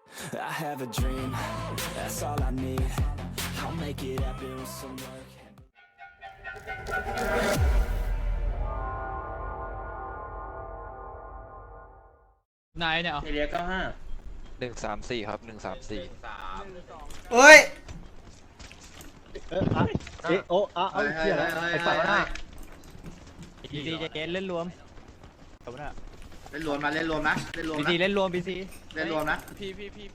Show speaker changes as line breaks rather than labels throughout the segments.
I have a dream, that's all I need. I'll make it happen with some work.
นายเนี่ย
เอเรีย95
134ครับ134
เฮ้ย
โอ้เอาเชี่ยแล้วไอ้ฝั่งหน้า
บีซีจะเกณฑ์เล่นรวมจบนะ
เล่นรวมนะเล่นรวมนะเล่นรวม
บี
นะ
ซีเล่นรวมบีซี
เล่นรวมนะ
พี่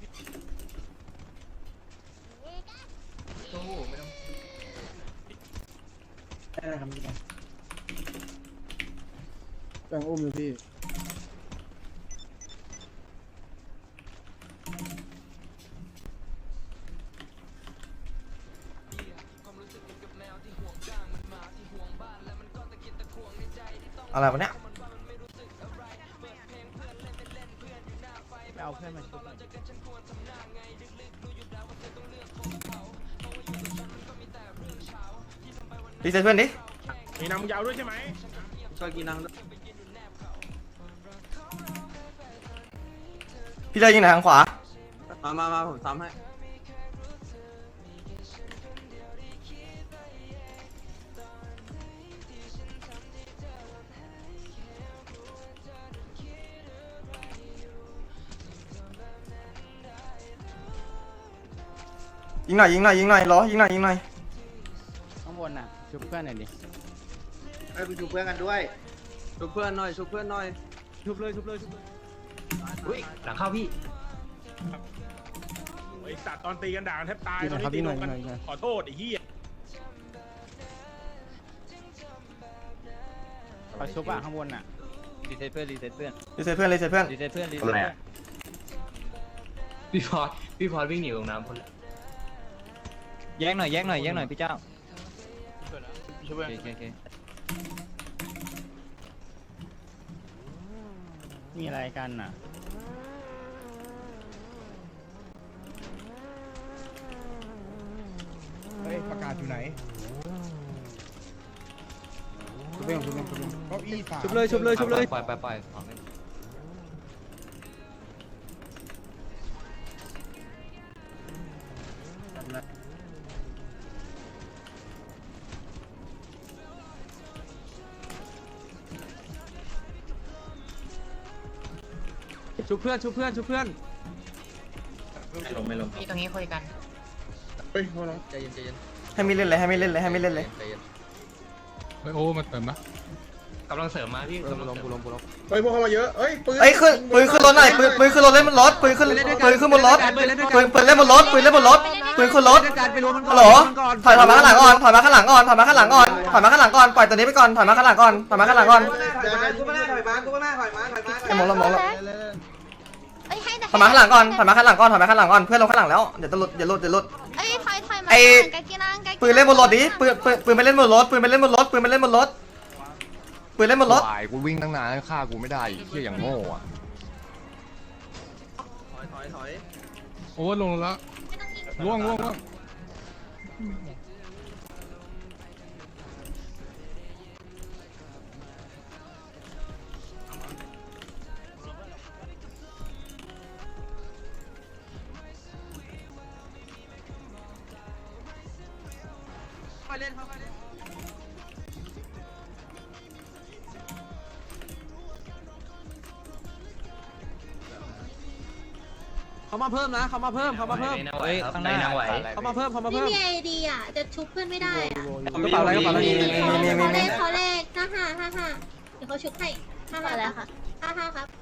แบ่งอุ้มอยู่พี่
อะไรวะเนี่ย
ไปเอาเพื่อนมาชุบ
รีเซ็ตเพื่อนดิ
มีนำยาวด้วยใช่ไหม
ช่วยกินนัง
พี่เลยยิงหน่อยทางขวา
มาผมซ้ำให้
ยิงหน่อยล้อยิงหน่อย
ข้างบนน่ะชุบเพื่อนหน่อยดิ
ให้ไปชูเพื่อนกันด้วยชูเพื่อนหน่อยชูเพื่อนหน่อย
ชุบเลย
อุ้ยหลังเข้าพี่
ไอ้สัตว์ตอนตีกันด่ากันแทบตาย
พี่ห
ต
น่
อ
อน ยครับ
นี้ตี
พี่ห
ล
น่อย
งกัน
หน่อย
ขอโทษไอ้เหี้ย
เขาชุบอ่ะข้างบนน่ะรีเซ็ตเพื่อน
รีเซ็ตเพื่อน
พี่พอดวิ่งหนีลงน้ำคนละ
แยกหน่อยพี่เจ้าโอเค มีอะไรกันน่ะ
เฮ้ยประกาศอยู่ไหนชุบเก้าอี้สาม
ชุบเลย
ปล่อยของเล่น
ชูเพื่อนไม่ลง
มีตรงนี้คุยกัน
เฮ้ยโทษนะ
ใจเย็น
ให้ไม่เล่นเลย
ใจเย็น
เฮ้ยโอ้มันเติมนะ
กำลังเสริมมาพี่กำลัง
กูลง
เฮ้ยพวกเข้ามาเยอะเฮ้ยปืน
เอ้ยปืนขึ้นรถหน่อยปืนขึ้นรถเล่นบนรถปืนขึ้นบนรถปืนเล่นบนรถปืนขึ้นรถฮัลโหลถอยมาข้างหลังก่อนปล่อยตัวนี้ไปก่อนถอยมาข้างหลังก่อนไอ้หมองแล้วถอยมาข้างหลังก่อนเพื่อนลงข้างหลังแล้วเดี๋ยวจะหลุด
เอ้ยถอยมา
ไอ้
กากินัง
ปืนเล่นบนรถดิปืนไม่เล่นบนรถ
วายกูวิ่งตั้งนานฆ่ากูไม่ได้เหี้ยอย่างโง่อะ
ถอย
โอ้ลงแล้วล่วง
เขามาเพิ่มนะเขามาเพิ่ม
เฮ้ยข้างหน้า
เขามาเพิ่ม
ไม่มีไอเดียจะชุบเพื่อนไม่ได้อะ
กระเป๋าอะไร
เขาเลข55เดี๋ยวเขาชุบให้55แล้วค่ะ55ครับ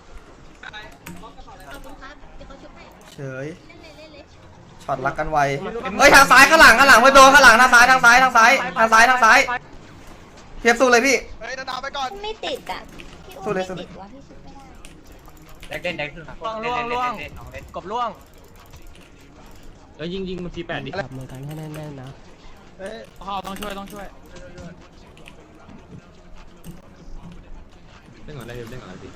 ขอบคุณครับเดี๋ยวเขาชุบให้
เฉย
เล่นเลย
ช็อตรักกันไวเฮ้ยทางซ้ายข้างหลังเพื่อนโดนข้างหลังทางซ้ายเทียบสู้เลยพี่
ไม่ติดอ่ะ
สู้เลย
ติดวะพี่ชุบไม่ได้
เล่นขึ้น
ล่วงกบล่วง
แล้วยิงมันที8ดิ
จับมือกันให้แน่นๆนะ
พ่อต้องช่วย
เล่นก่อนอะไรดิ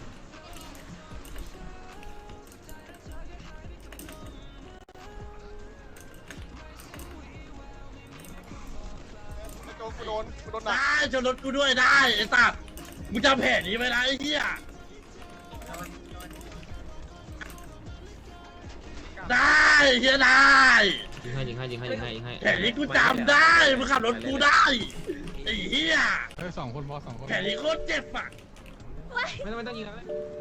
ได้ชนรถกูด้วยได้ไอ้สัตว์มึงจำแผนนี้ไว้นะไอ้เหี้ยเฮียได้
ยิงให้
แผนนี้กูจำได้มึงขับรถกูได้ไอ้เฮีย
สองคนพอสองคน
แผนนี้โคตรเจ็บอ่ะ
ไม่ต้องยิงแล้ว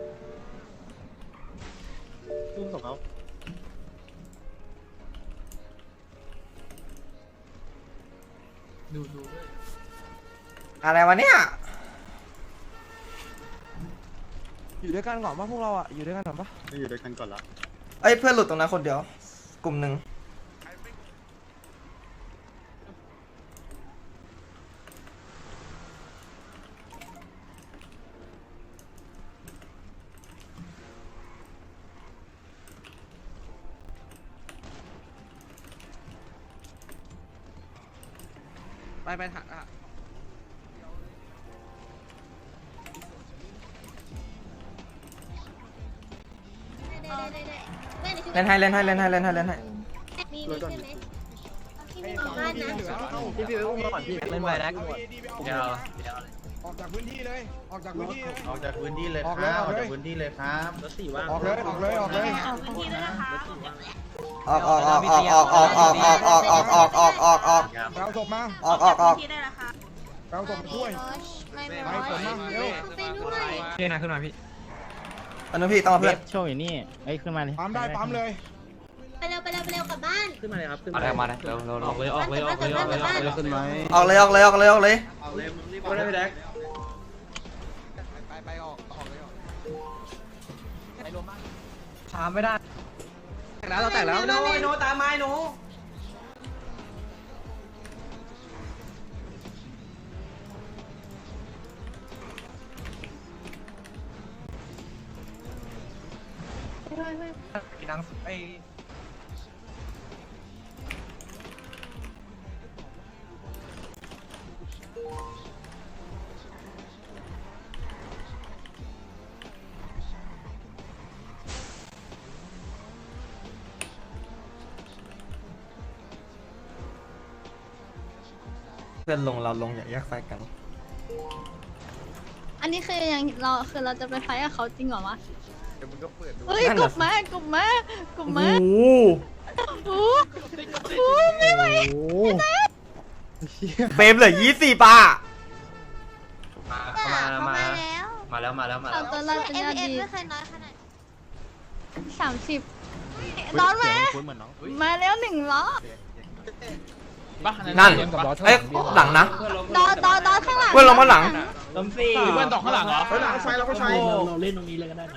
อุ้มส่งเขา
อะไรวะเนี่ย
อยู่ด้วยกันก่อนป่ะพวกเราอ่ะอยู่ด้วยกันก่อนป่ะ
ไม่อยู่ด้วยกันก่อนละ
เอ้ยเพื่อนหลุดตรงนั้นคนเดียว กลุ่มหนึ่ง
ไปถักอ่ะ
เล่นให้เล่นให้เล่นให้เล่นให้เล่นให้
มีใช่ไหมที่ไม่มีบ้านนะ
พี่ไปอุ้มก่อนพี่
เล่นไปนะ
เดี๋ยวออกจากพื้นที่เลยออกจากพื้นที่
ออกจากพื้นที่เลยครับออกจากพื้นที่เลยครับรถสี่ว่าง
ออกเลยออกเลยออกเลย
ออกออกออกออกออกออกออกออกออกออกออกออกออกออก
เราศพมา
ออกออกออก
เราศพช่วย
ไม่
ไปผมมาเร็ว
ไปด้วย
พี่นะขึ้นมาพี่
อันนู้นพี่ต้องมาเพื่อน
โชว์อยู่นี่เอ้ยขึ้นมาเลย
ปั๊มได้ปั๊มเลย
ไปเร็วกลับบ้าน
ขึ้นมาเลยครับขึ้น
อะไรมาเลยเร็วออกเลย
ขึ้นไหม
ออกเลยออกเลยออกเลยออกเลย
เอาเลยมึงรีบเอาเลยพี่แดก
ไปออกเลยออก
ถามไม่ได้
แล้วเราแตกแล้วโน้โน้ตามไม้โน้ดังไอ เพื่อนลงเราลงอย่าแยกไฟกัน
อันนี้คือยังเราจะไปไฟกับเขาจริงเหรอวะ
เดี๋ยวมึงก็เปิดดู
เฮ้ยกลุ่มมากลุ่มมา
โอ้โห
โอ้โหไม่ไหว
เฟรมเหลือ20ป่ะ
มาแล้วเอาตัวเราเป็นยอดดีไม่เคยน้อยขนาด30ร้อนมาแล้ว1ล้อ
นั่นเอ้ยหลังนะ
ดอข้างหลัง
เพื่อนลงมาหลัง
ล้มสี่เพื่อนตกข้างหลังเหรอ
เฮ้ยหลังไฟเราก็ใช้
เราเล่นตรงนี้เลยก็ได้นะ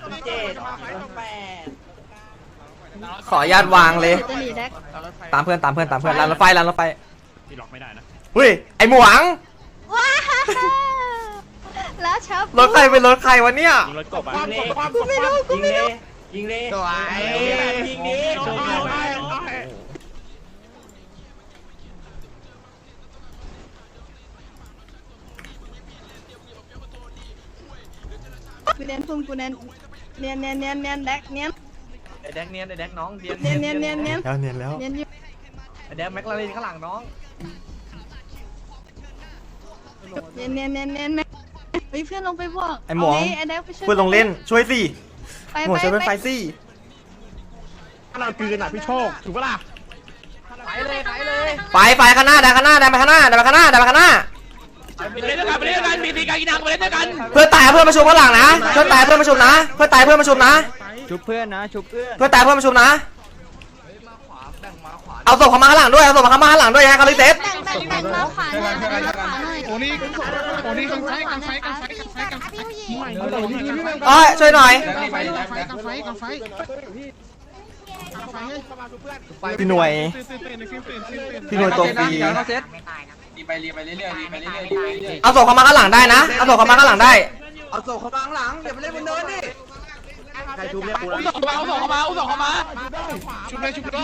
ขออนุญาตวางเลย
จะหนีแดก
ตามเพื่อนรางรถไฟ
ที่ล็อกไม่ได้นะ
เฮ้ยไอหมวง
ว้าแล้วชับ
รถใครเป็นรถใครวะเนี่ย
ยิงรถกบอ่ะ
กูไม่รู้
ยิงเลย
สวย
ยิงดิ
กูเน้นพุ่งกูเน้นเนียนแดกเนียน
ไอแดกเนียนไอแดกน้องเนียน
แล้วเนียนอยู่
ไอแดกแม็กลาเรนข้างหลังน้อง
เนียนเฮ้ยเพื่อนลงไปบอก
ไอหมวง
ไอ้แดกไปช่วย
เพื่อนลงเล่นช่วยสิ
ไป
หมวงช่วยเป็นไฟสิ
เราคืนอ่ะพี่โชคถูกปะล่ะไปเลย
ไฟข้างหน้าดันข้างหน้าดันไปข้างหน้า
ไปเล่นด้วยกันมีตีการกินนังไปเล่นด้วยกัน
เพื่อนตายเพื่อนมาชุมข้างหลังนะเพื่อนตายเพื่อนมาชุมนะเพื่อนตายเพื่อนมาชุมนะ
ชุบเพื่อนนะชุบเพื่อน
เพื่อนตายเพื่อนมาชุมนะเอาศพเขามาข้างหลังด้วยเอาศพเขามาข้างหลังด้วยฮะคาริเซส
แบ่งมาขวาหน่อยแบ่งมาขวาหน่อย
โอ้นี่กันไฟ
เอ้ยช่วยหน่อยพี่หน่วยตัวฟรีเอาศพเขามาข้างหลังได้นะเอาศพเขามาข้างหลังได้
เอาส่งเขาข้างหลังเดี๋ยวไปเล่นบนเนินดิใครทุบเรียกกู
อุ้มส่งเข้ามา
ชุบเลยชุบเลย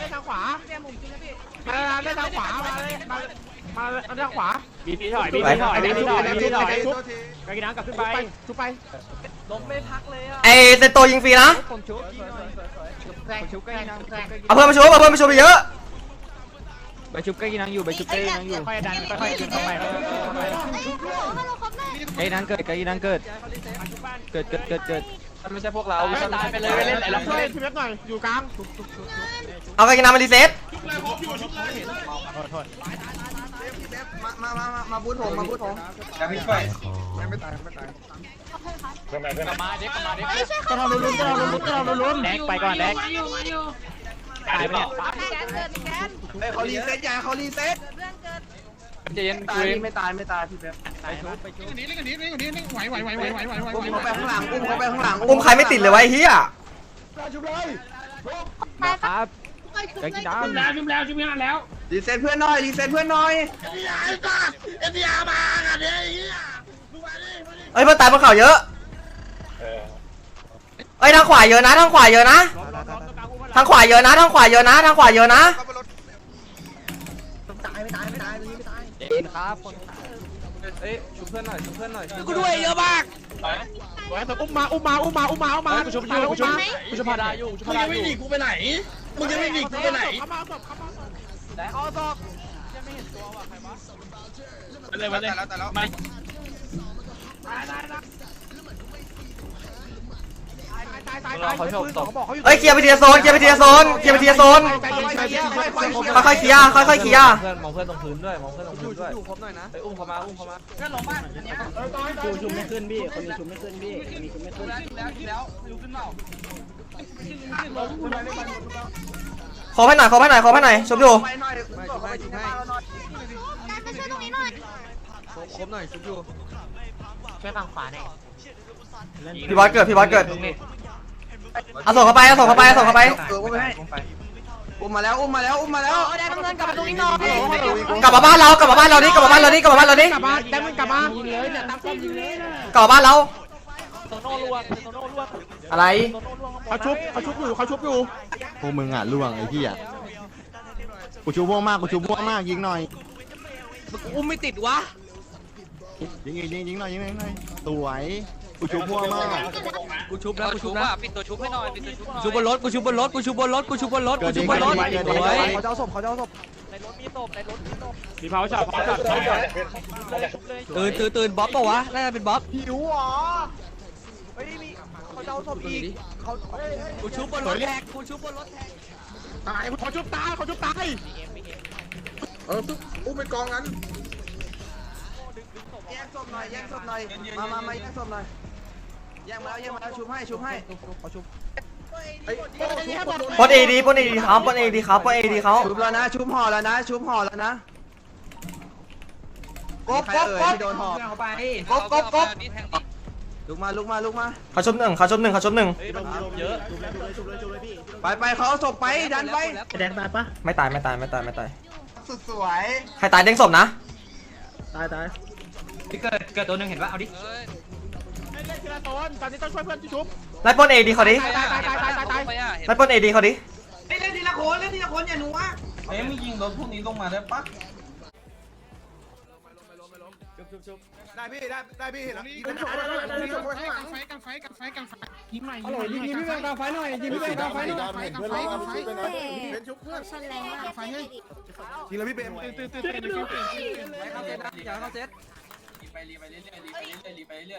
บีพีถอยบีพีถอยกากินังกลับขึ้นไปชุบไปล้มไม่พักเลยอ่ะ
ไอเซโตยิงฟรีนะ
ผมชุบกากินัง
เอาเพื่อนมาชุบไปเยอะ
ไปชุบกากินังอยู่ไปชุบกากินังอยู่ค่อยดันค่อยๆเข้าไป
ฮัลโหลครับแม่
กากินังเกิดกากินังเกิดไม่ใช่พวกเราตายไปเลยเล่นไหนเราช่วยพี่เล็กหน่อยอยู่กลาง
เอากากินังมารีเซ็ต
มาบูทผมมาบูทผม
จะไม่ช่วยไม่ตายไม่ตาย
กลับมาเด็กกลับมาเด็ก
ก็ทำลุ้น
แดกไปก่อนแดกตายไปเนี่ย
เขารีเซ็ตยาเขารีเซ็ต
เจน
ตายไม่ตายไม่ตายพี่เป๊ป
ตายชุบไปชุบ
อุ้มเขาไปข้างหลังอุ้มเขาไปข้างหลัง
อุ้มใครไม่ติดเลยวะไอ้เฮีย
ชุบเลย
ครับกากินัง
รีเซ็ตเพื่อนหน่อยรีเซ็ตเพื่อนหน่อย
เอ็นดีอาร์มากันเนี่ยไอ้เหี้ยดูมาดิ
เอ้ยเพื่อนตายบนเขาเยอะเอ้ยทางขวาเยอะนะทางขวาเยอะนะทางขวาเยอะนะทางขวาเยอะนะทางขวาเยอะนะ
เจนครับคนเอ้ยชุบเพื่อนหน่อยชุบเพื่อนหน่อยกู
ด้วยเยอะมาก
อุ้มมากูชุบอยู่กูชุบพาดาอยู่
มึงยังไม่หนีกูไปไหนมึงยังไม่หนีกูไปไหน
เขาตอก
อะไรวะเนี่ยมา
เขาชอบตก
เอ้ยเคลียร์ไปทีละโซนเคลียร์ไปทีละโซนเคลียร์ไปทีละโซนค่อยๆเคลียร์ค่อยๆเคลียร์
เพื่อนมองเพื่อนตรงพื้นด้วยมองเพื่อนตรงพื้นด้วยไปอุ้มเขามาอุ้มเขามาเพื่อนลงบ้านชุบไม่ขึ้นพี่คนนี้ชุบไม่ขึ้นพี่คนนี้ชุบไม่ขึ้นแล้วลุกขึ้นเปล่า
ขอให้หน่อยขอให้หน่อยขอให้หน่อยชมอยู่
ไปหน่อยไปชุบให้
มาช่วยตรงนี้หน่อย
ครบหน่อยชุบอยู่
ช่วยฝั่งขวาหน่อย
พี่บอสเกิดพี่บอสเกิดเอาส่งเข้าไปเอาส่งเข้าไปเอาส่งเข้าไป
อุ้มไปให้อุ้มมาแล้วอุ้มมาแล้วอุ้มมาแล้ว
ได้น้ำเงินกลับมาตรงนี้หน่อย
กลับมาบ้านเรากลับมาบ้านเราดิกลับมาบ้านเราดิกลับมาบ้านเราดิ
กลับมาแดงมึงกลับมายิงเลยเนี่ยตั้งป้อมยิงเลย
กลับมาบ้านเรา
โตโน่ลวงโตโน่ลวง
อะไร
เขาชุบอยู่
พวกมึงอ่ะล่วงไอ้ที่อ่ะกูชูม่วงมากกูชูม่วงมากยิงหน่อย
อุ้มไม่ติดวะ
ยิงหน่อยสวยกูชูม่วงมาก
กูชุบแล้วกูชุบแล้วปิดตัวชุบให้หน่อยปิดตัวชุบชุบบนรถกูชุบบนรถกูชุบบนรถกูชุบบนรถกูชุบบนรถเขาจะเอาศพในรถมีศพในรถมีศพมีเผาจับตื่นบ๊อบป่าวะน่าจะเป็นบ๊อบ
หิวเหรอ
เฮ้ยมีเขาจะเอาศพอีกเขากูชุบบนรถแท็กกูชุบบนรถแท็ก
ตายเขาชุบตาย
อุ้มไปกองนั้นแยกศพหน่อยแยกศพหน่อยมาแยกศพหน่อยแยกมาแล้วชุบให้
เขาชุบ
ปนเอดีปนเอดีเขาปนเอดีเขาปนเอดีเขา
ชุบแล้วนะชุบห่อแล้วนะชุบห่อแล้วนะกบที่โดนห่อกบลุกมา
เขาชมหนึ่งเขาชมหนึ่งเขาชมหนึ่ง
เยอะ
ไปเขาเอาศพไปดันไป
แดงตายปะ
ไม่ตาย
สุดสวย
ใครตายเด้งศพนะ
ตายพี่เกิดตัวนึงเห็นปะเอาดิเล่นทีละโซนตอนนี้ต้องช่วยเพื่อนที่ชุบ
ไล่ปนเอดีเขาดิ
ตาย
ไล่ปนเอดีเขาดิ
เล่นทีละคนอย่าหนูวะ
ไม่ยิงรถพวกนี้ลงมาได้ปะ
ได้พี่เห็นแล้วยิงกันไฟยิงหน่อยยิงพี่แม่กลางไฟหน่อยยิงพี่แม่กลางไฟหน่อยเป็นชุบเพื่อน
ชนแรงมาก
ยิงแล้วพี่เบมตื่น
อย่าเข้าเซตไปเรื่อย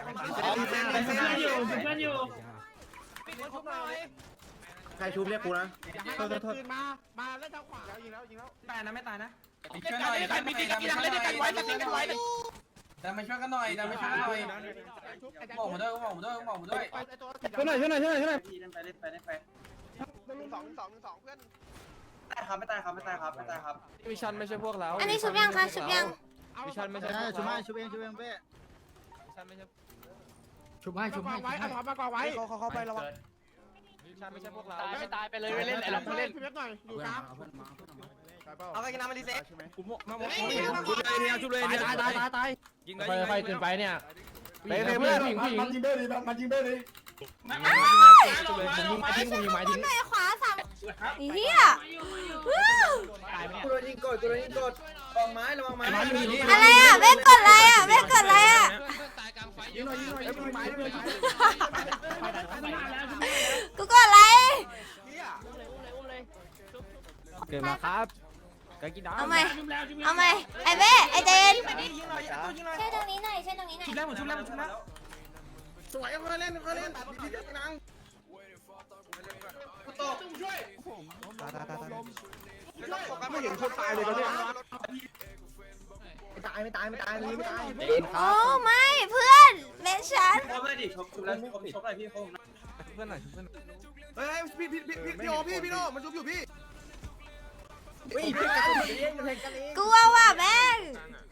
ใครชุบเรียกกูนะ
มาเล่นทางขวาแล้วยิงแล้ว
ตายนะไม่ตายนะช่วยหน่อยมีตีกันเล่นด้วยกันไว้ดันมาช่วยกันหน่อยบอกมาด้วย
ช่วยหน่อย
ไป
2-1-2 เพื่อน
ไม่ตายครับ
มิชันไม่ใช่พวกเรา
อันนี้ชุบยังคะชุบยัง
มิชันไม่ใช่
ชุบเองเป้
ชุบให้เอาถอยมาก่อนไว้เขาไประวังมิชันไม่ใช่พวกเราตายไปเลยเล่นไหนเราเล่นหน่อยอยู่กลาง
เอากากินังมารีเซ็ต
ชุบเลยตายยิงเลยค่อยๆขึ้นไปเนี่ยเพื่อนผู้หญิง
มันยิงได้ดีมันยิงได้ดี
ผมยิงไม้ทิ้ง
หน่อยขวาสามเฮีย
กูโดนยิงกดระวังไม้ระวังไม้
อะไรอ่ะเว้กดอะไรอ่ะเว้กดอะไรอ่ะกูกดอะไร
เกิดมาครับกากินัง
เอาไหมไอ้เว้ไอ้เจนใช่ตรงนี้หน่อย
สวยค่อยเล่นค่อยเล่นพี่นางตบช่วยไม่เห็นคนตายเลยตอนนี้ไม่ตายไม่ตายเลยไม่ตาย
โอ้ไม่เพื่อนเมชัน
ชกแล้วชกอะไรพี่เขา
เพื่อนหน่อยเพื่อน
เฮ้ยพี่โอพี่โนมันชุบอยู่พี่
กลัวว่ะแม่ง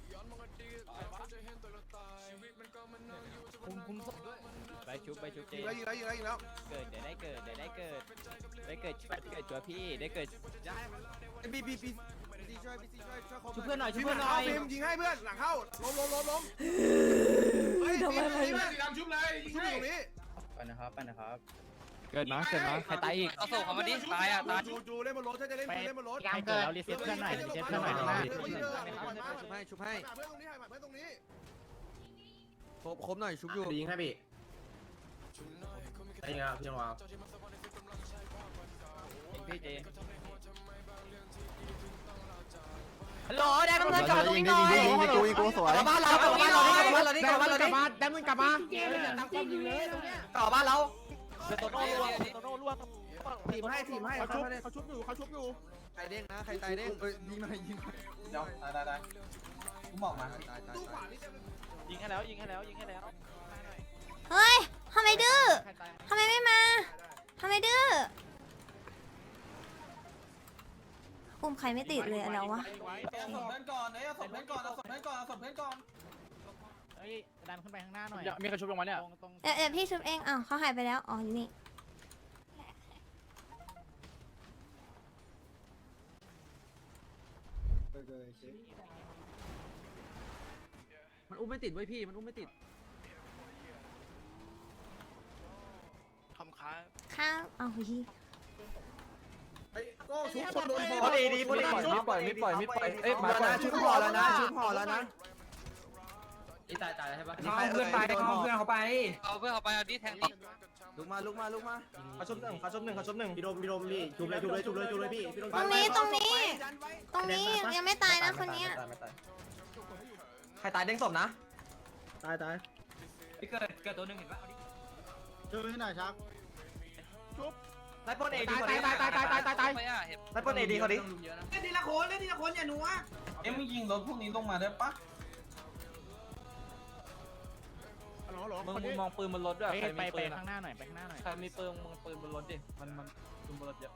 ไปชุบเจ
ยิงแล้ว
เกิดเดี๋ยวได้เกิดจัวพี่ได้เกิด
บีช่วย
ชุบเพื่อนหน่อย
พี่ยิงให้เพื่อนหลังเข้าล้มเฮ้ยดำชุบเลยชุบตรงนี้
ไปนะครับเกิดมาใครตายอีกเอาส่งเขามาดิตายอ่ะตาย
จูเล่นบนรถถ้าจะเล่นเล่นบนรถ
ใครเกิดแล้วรีเซ็ตเพื่อนหน่อยชุบให้
เพื่อนตรงนี้
ครบหน่อยชุบอยู่
ยิงให้พี่ยิงครับพี่วาง
พี่เจฮัลโหลได้ตำรวจจอดตรงนี้หน่อย
ยิงกูสวยบ้านเรากลับบ้านเรากลับบ้านเราดิกลับบ้านเราดิ
ได้มึงกลับมา
กลับบ้านเรา
โตโน่ล่วง
ทีมให้เขาชุบอยู่ใครเด้งนะใครตายเด้งยิงหน่อย
เดี๋ยวได้กูบอกมา
ยิงให้แล้ว
เฮ้ยทำไมดื้อทำไมไม่มาทำไมดื้ออุ้มใครไม่ติดเลยแล้ววะ
เอาศพเพื่อนก่อนเอาศพเพื่อนก่อน
เฮ้ยดันขึ้นไปข้างหน้าหน่อยมีใครชุบลงมาเนี่ย
เดี๋ยวพี่ชุบเองอ้าวเขาหายไปแล้วอ๋ออยู่นี่
มันอุ้มไม่ติดไว้พี่มันอุ้มไม่ติด
ข้างเอาฮี
ก็ชุบคนโดน
พอดีไม่ปล่อยเอ้ยมาชุบห่อแล้วนะ
ตายใช่ปะ
เอาเพื่อนไปเอาเพื่อนเขาไป
เอาเพื่อนเขาไปเอาดิแทงดิ
ลุกมา
เขาชุบหนึ่งพี่ดมพี่ชุบเลยพี่พี่ดม
ตรงนี้ยังไม่ตายนะคนเนี้ย
ใครตายเด้งศพนะ
ตาย
เกิดตัวนึงเห็นปะ
ช่วยให้หน่อยครับ
ไล่ปนเอดี
ตายเห็น
ไล่ปนเอดีเขาดิ
เล่นทีละคนอย่าหนัวมึงยิงรถพวกนี้ลงมาได้ปะ
มึงมองปืนบนรถด้วยไปข้างหน้าหน่อยใครมีปืนมึงปืนบนรถดิมันปืนบนรถเยอะ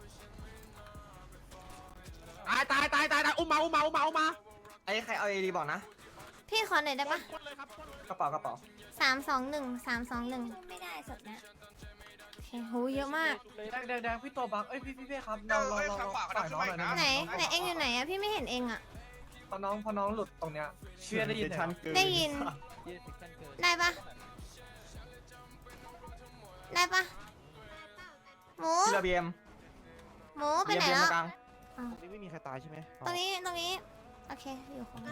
ตายอุ้มมา
ไอ้ใครเอาเอดีบอกนะ
พี่ขอหน่อยได้ปะ
กระเป๋า
321ไม่ได้สดนะโอเคโหเยอะมาก
แดงพี่ตัวบักเอ้ยพี่ครับเราฝ่ายน้องหน่อยนะ
ไหนเองอยู่ไหนอะพี่ไม่เห็นเองอะ
พอน้องหลุดตรงเนี้ยเชื่อได้ยิน
ได้ยินได้ปะหมู
ที่ระเบียง
หมูไปไหนแล้ว
ไม่มีใครตายใช่ไหม
ตรงนี้โอเคอยู่ของ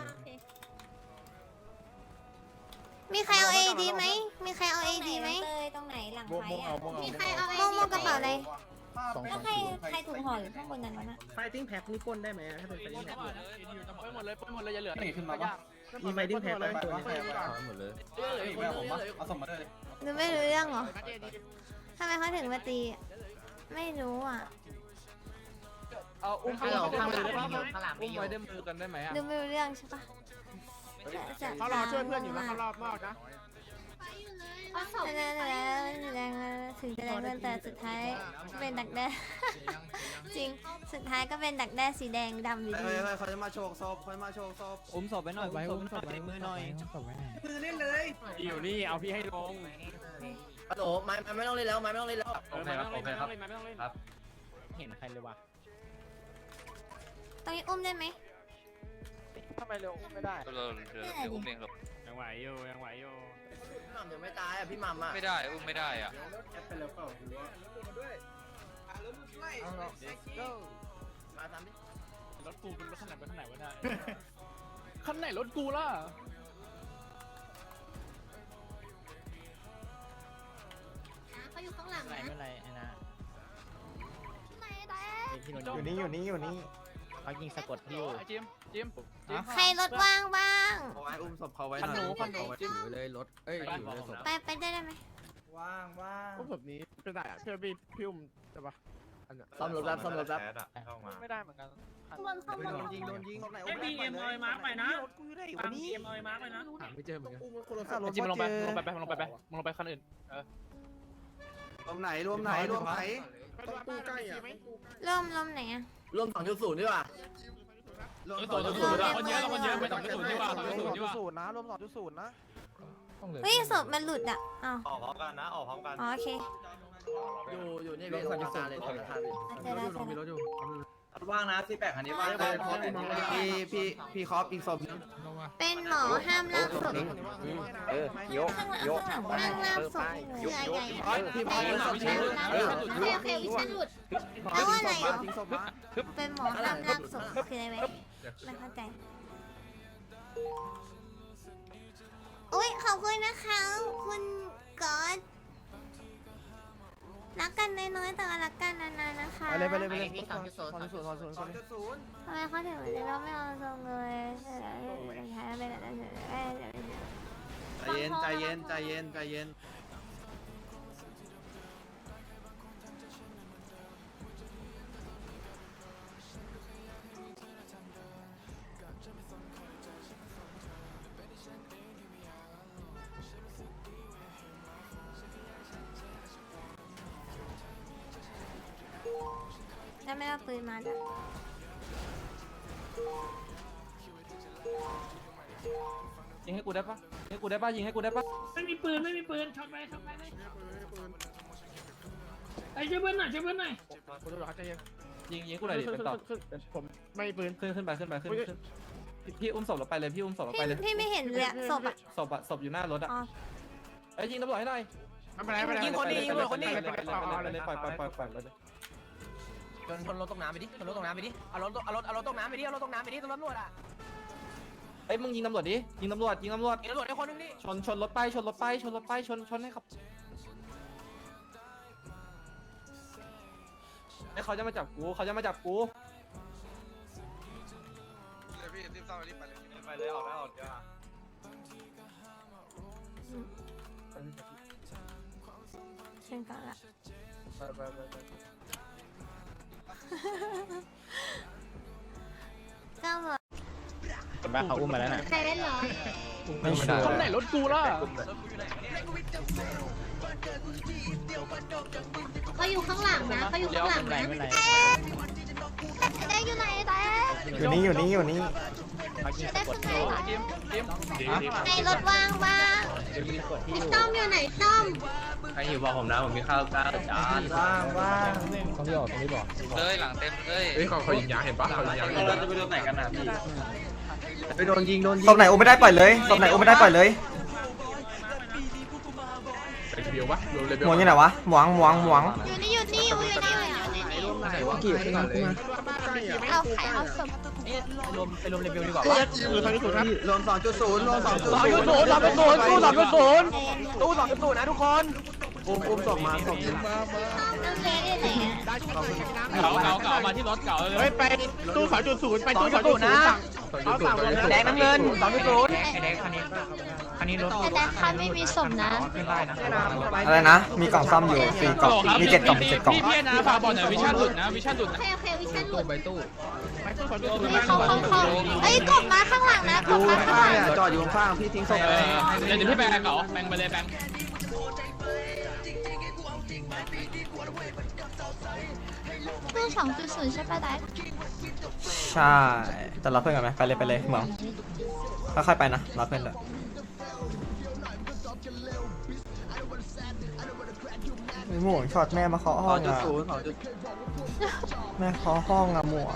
มีใครเอา AD ไหมตรงไหนหลังไฟอ่ะมีใครเอา โมกระเป๋าอะไรแล้วใครถูกห่ออยู่ข้างบนนั้นนะ
ไฟติ้งแพ็คนี่ก้นได้ไหมถ้าเป็นไฟติ้งแพ็ค
ไปหมดเลยอย่าเหลือ
ขึ้นมาปะ
มีไฟติ้งแพ็คไหมตัวนี้
หมดเลยเอาส่งมาเลย
หนูไม่รู้เรื่องเหรอทำไมเขาถึงมาตีไม่รู้อ่ะ
เอาอุ้มไปข้างมือได้ป่ะอุ้มไว้ได้มือกันได้ไหมอ่ะ
ดูไม่รู้เรื่องใช่ปะ
เขารอช่วยเพื่อนอยู่นะเขารอบมากนะ
ถึงจะแรงเงินแต่สุดท้ายเป็นดักแด้ จริงสุดท้ายก็เป็นดักแด้สีแดงดำอยู่ดี
เขาจะมาโชว์ศพ
อุ้มศพไว้หน่อยอุ้มศพไว้มือหน่อย
มือเล่นเลย
อยู่นี่เอาพี่ให้ลง
ฮัลโหลไม้ไม่ต้องเล่นแล้ว
โอเคครับเห็นใครเลยวะ
ตรงนี้อุ้มได้ไหม
ทำไมเร็วไม่ได้เดี๋ยวอุ้มเองหรอกยังไหวอยู่
พี่หม่ำยังไม่ตายอ่ะพี่หม่ำอ่ะ
ไม่ได้อุ้มไม่ได้อ่ะ
เป็นแล้วเปล่ามาทำดิ
รถกูเป็นรถขนาดไปข้างไหนวะได้คันไหนรถกูล่ะ
เขาอยู่ข้างหลังนะ
ไม่ไรไอ้นะ
ไหนแต่
อยู่นี่
เขายิงสะกดที่อยู่จิม
ใครรถว่างบ้าง
เอาไว้อุ้มศพเขาไว้
คันหนู
ถือเลยรถเอ้ยถือเลยศพ
ไปได้ไหม
ว่าง
อุ้มศพนี้เป็นไรอ่ะเพื่อพี่อุ้มใช่ปะ
ซ่อมรถแล้วซ่อมรถแล้ว
ไม่ได้เหมือนกัน
บนข้างบน
โดนยิงศพไหน
ไอ้บีเอ็มเอาไอ้มาร์คไปนะ
กูอยู่ได้อยู่
ฟัง
นี่
บีเอ็มเอาไอ้มาร์คไปนะ
หาไม่เจอเหมือนกัน
จิมลงไปมึงลงไปคันอื่น
รวมไหนรวมไหนรวมไหน
ตู้ใกล้อ่ะ
ลมไหนอะ
รวม2.0ดีกว่า
คนเยอะไป2.0ดีกว่า
2.0นะรวม2.0นะ
เฮ้ยศพมันหลุดอ่ะอ้าว
ออกพร้อมกันนะออกพร้อมกัน
อ๋อโอเค
อยู่นี่เป็น2.0เลย
เจอแล้ว
มีรถอยู่
ว่างนะที่8คันนี้ว่างพี่คอปอีกศพนึง
เป็นหมอห้ามลากศพ
ยก
ห้ามลากศพเรือใหญ่
พี่พอ
โอเควิชันหลุดแล้วอะไรอ่ะ
ทิ้งศพมา
เป็นหมอห้ามลากศพคืออะไรไหมไม่เข้าใจโอ้ยขอบคุณนะคะคุณก๊อตรักกันน้อยๆแต่ว่ารักกันนานๆนะคะ
ไปเลย2.0
ทำไมเขาถึงเราไม่เอาทรงเลยใช้ไปแล้ว
ใจเย็น
แล้วไม่เอาปืนมาด้วย
ยิงให้กูได้ปะยิงให้กูได้ปะยิงให้กูได้ปะ
ไม่มีปืนช็อตไปไอ้ช่วยเพื่อนหน่อย
คุณตำรวจเขาใจเย็น
ยิงกูหน่อยดิเป็นต่อ
ผมไม่ปืน
ขึ้นไปพี่อุ้มศพเราไปเลยพี่อุ้มศพเราไปเลย
พี่ไม่เห็นเลยศพอ่ะ
ศพอยู่หน้ารถอ่ะ
อ๋อ
ไอ้ยิงตำรวจให้หน่อย
ไม่เป็นไร
ยิงคนนี้ปล่อยเลยปล่อยเลย
ชนรถตกน้ำไปดิชนรถตกน้ำไปดิเอารถตกน้ำไปดิเอารถตกน้ำไปดิตำรวจอ่ะ
ไอ้มึงยิงตำรวจดิยิงตำรวจ
ตำรวจได้คนนึงดิ
ชนรถไปชนให้ครับไอ้เขาจะมาจับกู
ไปเลยออกแล้วเดี๋ยว
เช่นกันละเจ้าหมด
บ้าเขาอุ้มมาแล้วนะ
ใครเล่นเหรอ
ไม่ใช่คนไหนรถกูล่ะ
เขาอยู่ข้างหลังนะเขาอยู่ข้างหลังนะได้อยู่ไหนแต่
อยู่นี่
ได้ข้างในในรถว่างบ้างพี่ต้อมอยู่ไหนต้อม
ใครอยู่บอกผมนะผมมีข้าวกล้าจานว่าง
ต้องที่ออกเลยหลังเต็มเลย
เฮ้ยเขายิงยางเห็นปะเขายิงยาง
เราจะไปโดนไหนกันนะพี่ไปโดนยิง
ศพไหนอุ้มไม่ได้ปล่อยเลยศพไหนอุ้มไม่ได้ปล่อยเลย
ไปเบลปะเบลเลย
หมวงอยู่ไหนวะหมวง
อยู่นี่
กี่ขึ้นมาเลย
เอาไข่เอาศพ
ไปรวมเลเวลดีกว่า
คือทางที่สุดครับ
รวม 2.0
ตู้2.0นะทุกคน
อุ้มศพมาศพ
น้องเล็กอยู่ไหนอ่ะ
เก่ามาที่รถเก่าเลย
เฮ้ยไปตู้2.0ไปตู้2.0นะเอาสั่งเลย
แดงน้ำเงิน2.0
แต่คันไม่มีศพนะ
อะไรนะมีกล่องซ่อมอยู่4กล่องมี7กล่อง7กล่อง
พี่นะฝากบอกหน่อยวิชั่นหลุดนะ
โอเควิชันหลุด
ไปตู้
ไปตู้2.0
เขาเอ้ยกบมาข้างหลังนะกบมาข้างหลัง
จอดอยู่ข้างพี่ทิ้งศพ
เดี๋ยวพี่แบงค์เขาแบงค์ไปเลยแบงค์
ตู้2.0ใช่ปะได้
ใช่จะรับเพื่อนกันไหมไปเลยเหมืองค่อยๆไปนะรับเพื่อนเลยหมวงช็อตแม่มาเคาะห้องอ่ะแม่เคาะห้องอ่ะหมวง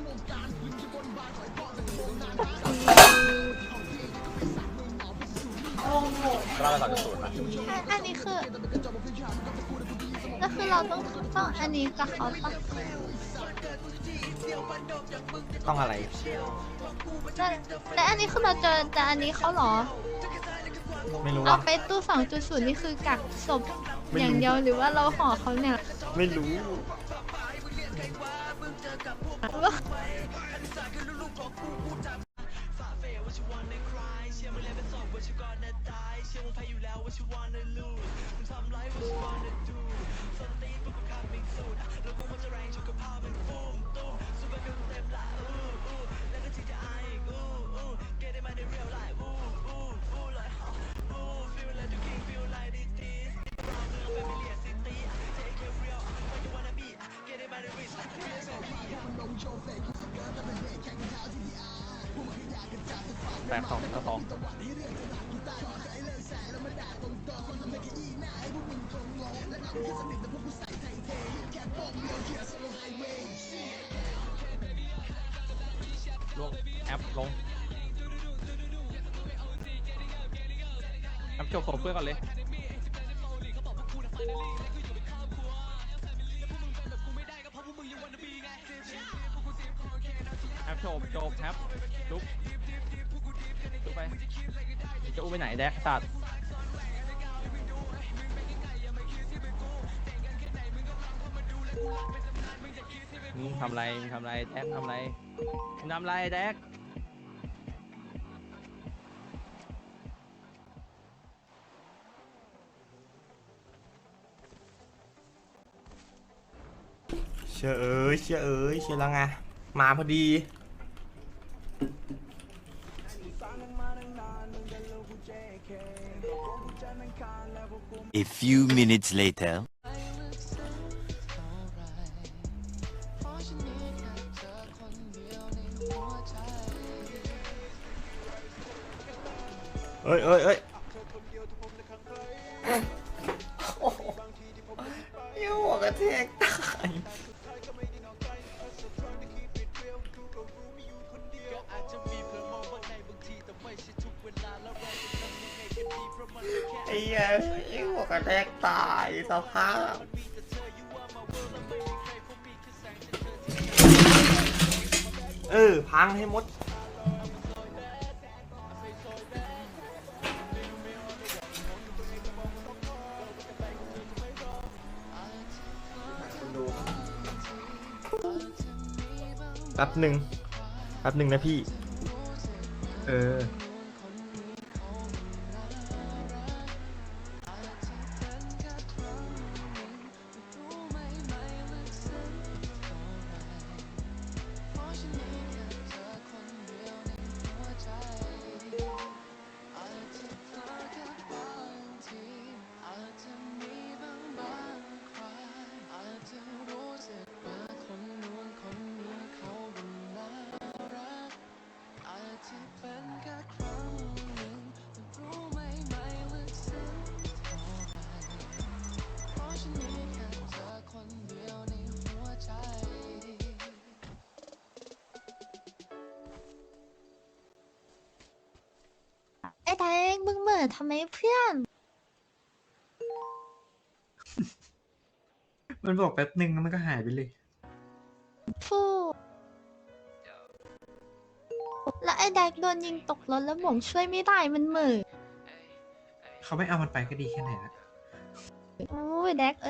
อันนี้คือก็คือเราต้องอันนี้กับเขาปะ
ต้องอะไร
แต่อันนี้คือเราเจอแต่อันนี้เขาเหรอ
ไม่รู้
เอา
ว่า
ไปตู้2.0นี่คือกักศพอย่างเดียวหรือว่าเราห่อเขาเนี่ย
ไม่รู้
แตกสองต่อสองลงแอปลงแอปจบของเพื่อนก่อนเลยแอปจบแอปลุกไปจะอุ้มไปไหนแดกสัตว์มึงทำไรแดกทำไรแดก
เชื่อแล้วไงมาพอดี
A few minutes later
เอ้ยโอ้โหยิ่งหัวกระแทกตายไอ้เหี้ยยิ่งหัวกระแทกตายสภาพพังให้หมดแป๊บหนึ่งนะพี่
ไอ้แดงมึงเหม่อทำไมเพื่อน
มันบอกแป๊บหนึ่งแล้วมันก็หายไปเลย
ฟูแล้วไอ้แดกโดนยิงตกรถแล้วผมช่วยไม่ได้มันเหม่อ
เขาไม่เอามันไปก็ดีแค่ไหนละ
โอ้ยแดก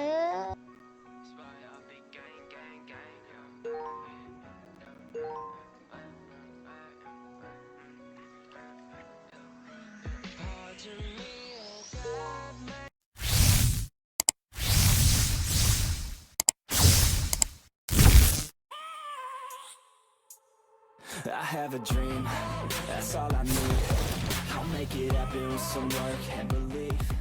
I have a dream, that's all I need. I'll make it happen with some work and belief.